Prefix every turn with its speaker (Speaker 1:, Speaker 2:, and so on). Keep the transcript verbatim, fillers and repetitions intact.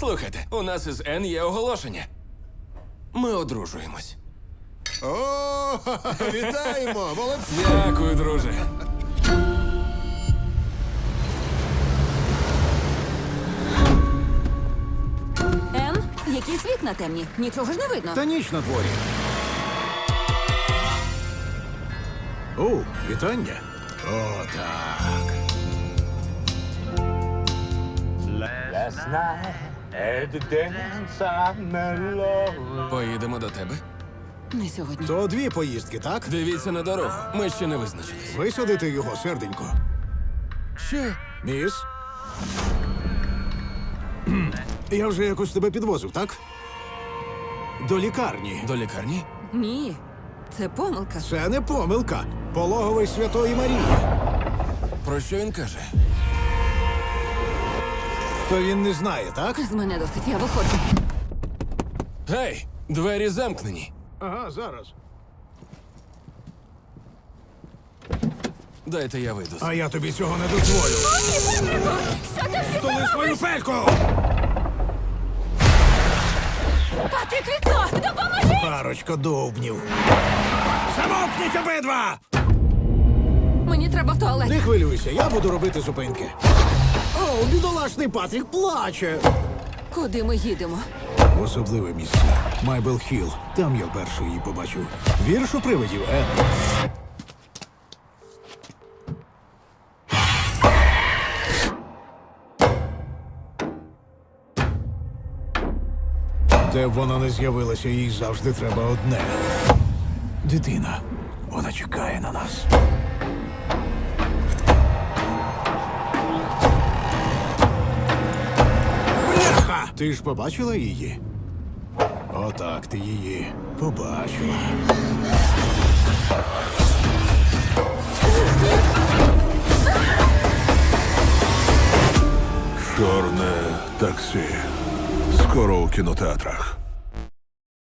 Speaker 1: Слухайте, у нас із Н є оголошення. Ми одружуємось.
Speaker 2: О, вітаємо! Молодці!
Speaker 1: Дякую, друже.
Speaker 3: Ен, якісь вікна темні. Нічого ж не видно.
Speaker 2: Та ніч на дворі. О, вітання. О, так.
Speaker 4: Last night at the dance I met love.
Speaker 1: Поїдемо до тебе.
Speaker 3: Не сьогодні.
Speaker 2: То дві поїздки, так?
Speaker 1: Дивіться на дорогу. Ми ще не визначились.
Speaker 2: Висадити його, серденько.
Speaker 1: Що?
Speaker 2: Міс? Кхм. Я вже якось тебе підвозив, так? До лікарні.
Speaker 1: До лікарні?
Speaker 3: Ні. Це помилка.
Speaker 2: Це не помилка. Пологовий Святої Марії.
Speaker 1: Про що він каже?
Speaker 2: То він не знає, так?
Speaker 3: З мене досить, я виходжу.
Speaker 1: Гей, двері замкнені.
Speaker 2: Ага, зараз.
Speaker 1: Дайте я вийду.
Speaker 2: А я тобі цього не дозволю.
Speaker 3: Що ти всі
Speaker 2: Столи свою пельку!
Speaker 3: Патрік, вікно! Допоможи!
Speaker 2: Парочка довбнів. Замовкніть обидва!
Speaker 3: Мені треба в туалет.
Speaker 2: Не хвилюйся, я буду робити зупинки. О, бідолашний Патрік плаче.
Speaker 3: Куди ми їдемо?
Speaker 2: В особливе місце. Майбел Хілл. Там я перший її побачив. Вірш у привидів, Ен. Де б вона не з'явилася, їй завжди треба одне. Дитина. Вона чекає на нас. Бляха! Ти ж побачила її? Отак ти її побачила.
Speaker 5: Чорне таксі. Скоро у кінотеатрах.